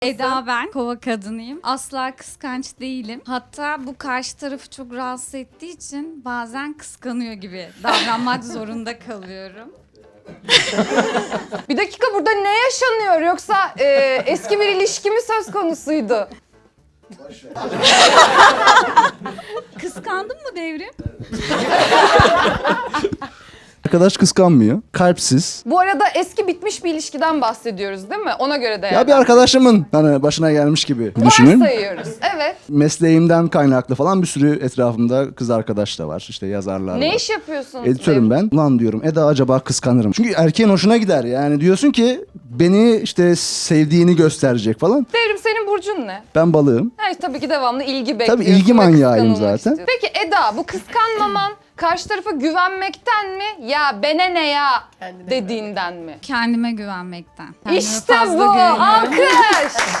Eda ben, kova kadınıyım. Asla kıskanç değilim. Hatta bu karşı tarafı çok rahatsız ettiği için bazen kıskanıyor gibi davranmak zorunda kalıyorum. Bir dakika, burada ne yaşanıyor? Yoksa eski bir ilişki mi söz konusuydu? Kıskandın mı Devrim? Arkadaş kıskanmıyor. Kalpsiz. Bu arada eski bitmiş bir ilişkiden bahsediyoruz değil mi? Ona göre Ya bir değerlendirelim. arkadaşımın hani başına gelmiş gibi düşünün. Varsayıyoruz. Evet. Mesleğimden kaynaklı falan bir sürü etrafımda kız arkadaş da var. İşte yazarlar Ne var. iş yapıyorsunuz? Editörüm ben. Ulan diyorum Eda acaba kıskanırım. Çünkü erkeğin hoşuna gider yani. Diyorsun ki beni işte sevdiğini gösterecek falan. Devrim, senin burcun ne? Ben balığım. Evet, tabii ki devamlı ilgi bekliyorsun. Tabii ilgi ve manyağıyım kıskanılmak zaten. istiyorsun. Peki Eda, bu kıskanmaman karşı tarafa güvenmekten mi? Ya bene ne ya dediğinden mi? Kendime güvenmekten. Kendime İşte fazla bu! güveniyorum. Alkış!